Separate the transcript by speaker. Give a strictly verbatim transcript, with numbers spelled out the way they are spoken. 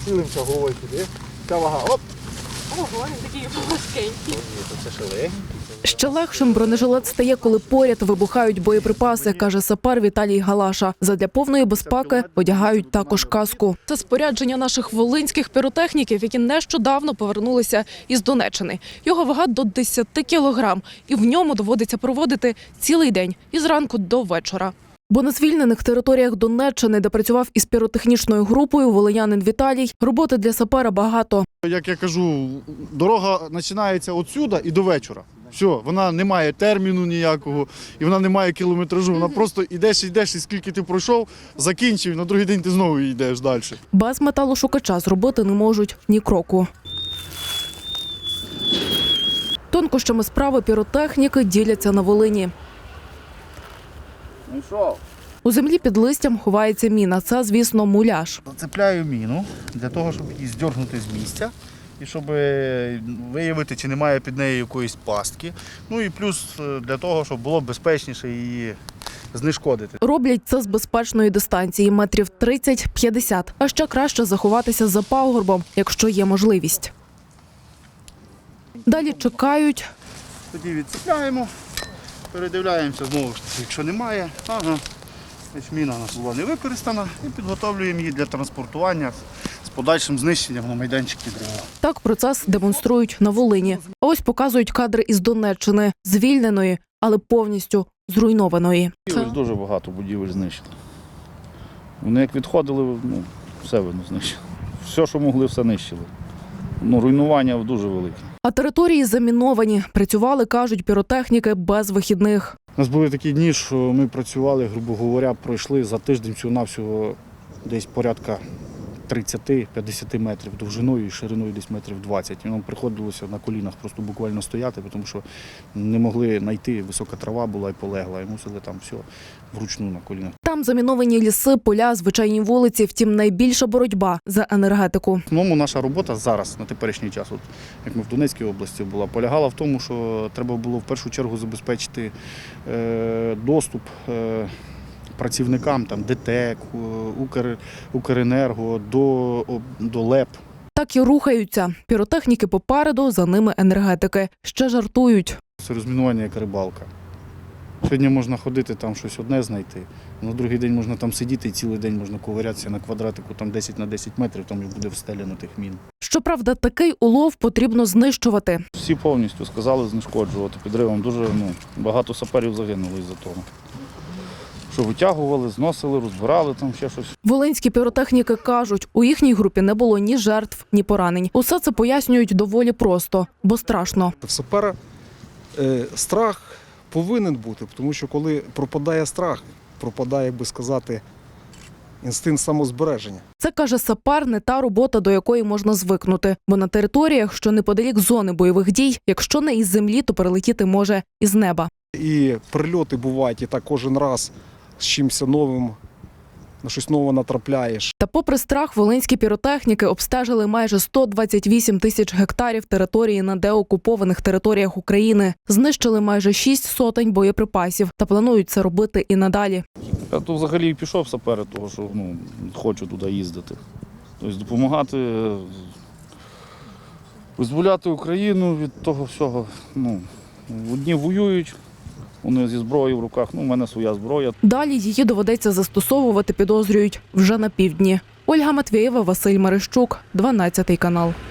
Speaker 1: Хилимося головою туди. Ця вага, оп!
Speaker 2: Ого, він такий важкенький.
Speaker 1: Це ще легенький.
Speaker 3: Ще легшим бронежилет стає, коли поряд вибухають боєприпаси, каже сапер Віталій Галаша. Задля повної безпеки одягають також каску. Це спорядження наших волинських піротехніків, які нещодавно повернулися із Донеччини. Його вага до десяти кілограм, і в ньому доводиться проводити цілий день із ранку до вечора. Бо на звільнених територіях Донеччини, де працював із піротехнічною групою, волинянин Віталій, роботи для сапера багато.
Speaker 1: Як я кажу, дорога починається отсюда і до вечора. Все, вона не має терміну ніякого, і вона не має кілометражу. Вона просто йдеш, йдеш, і скільки ти пройшов, закінчив, і на другий день ти знову йдеш далі.
Speaker 3: Без металошукача зробити не можуть ні кроку. Тонкощами справи піротехніки діляться на Волині.
Speaker 1: Ну що?
Speaker 3: У землі під листям ховається міна. Це, звісно, муляж.
Speaker 1: Зацепляю міну для того, щоб її здьоргнути з місця і щоб виявити, чи немає під нею якоїсь пастки. Ну і плюс для того, щоб було безпечніше її знешкодити.
Speaker 3: Роблять це з безпечної дистанції – метрів тридцять-п'ятдесят. А ще краще заховатися за пагорбом, якщо є можливість. Далі чекають.
Speaker 1: Тоді відцепляємо, передивляємося знову ж таки, якщо немає. Ага. Міна у нас була не використана і підготовлюємо її для транспортування з подальшим знищенням на майданчики дерева.
Speaker 3: Так процес демонструють на Волині. А ось показують кадри із Донеччини, звільненої, але повністю зруйнованої.
Speaker 4: Це... Дуже багато будівель знищили. Вони як відходили, ну, все видно знищили. Все, що могли, все нищили. Ну, руйнування дуже велике.
Speaker 3: А території заміновані. Працювали, кажуть, піротехніки без вихідних.
Speaker 1: У нас були такі дні, що ми працювали, грубо говоря, пройшли за тиждень всього-навсього десь порядка тридцять-п'ятдесят метрів довжиною і шириною десь метрів двадцять. І нам приходилося на колінах просто буквально стояти, тому що не могли знайти, висока трава була і полегла, і мусили там все вручну на колінах.
Speaker 3: Там заміновані ліси, поля, звичайні вулиці, втім найбільша боротьба за енергетику.
Speaker 1: В основному наша робота зараз, на теперішній час, от, як ми в Донецькій області була, полягала в тому, що треба було в першу чергу забезпечити е, доступ е, працівникам там, ДТЕК, Укр, Укренерго, до, до ЛЕП.
Speaker 3: Так і рухаються. Піротехніки попереду, за ними енергетики. Ще жартують.
Speaker 1: Це розмінування як рибалка. Сьогодні можна ходити, там щось одне знайти, на другий день можна там сидіти і цілий день можна ковирятися на квадратику там десять на десять метрів, там і буде встеляно тих мін.
Speaker 3: Щоправда, такий улов потрібно знищувати.
Speaker 4: Всі повністю сказали знешкоджувати підривом. Дуже ну, багато саперів загинули із-за того. Що витягували, зносили, розбирали там ще щось.
Speaker 3: Волинські піротехніки кажуть, у їхній групі не було ні жертв, ні поранень. Усе це пояснюють доволі просто, бо страшно.
Speaker 5: В сапера е, страх повинен бути, тому що коли пропадає страх, пропадає, як би сказати, інстинкт самозбереження.
Speaker 3: Це, каже сапер, не та робота, до якої можна звикнути. Бо на територіях, що неподалік зони бойових дій, якщо не із землі, то перелетіти може із неба.
Speaker 5: І прильоти бувають, і так кожен раз з чимось новим, на щось нове натрапляєш.
Speaker 3: Та попри страх, волинські піротехніки обстежили майже сто двадцять вісім тисяч гектарів території на деокупованих територіях України. Знищили майже шість сотень боєприпасів та планують це робити і надалі.
Speaker 4: Я то взагалі пішов сапери, того що ну, хочу туди їздити. Тобто допомагати, визволяти Україну від того всього. Ну, одні воюють. Вони зі зброєю в руках, ну, в мене своя зброя.
Speaker 3: Далі її доведеться застосовувати, підозрюють, вже на півдні. Ольга Матвєєва, Василь Мерещук, дванадцятий канал.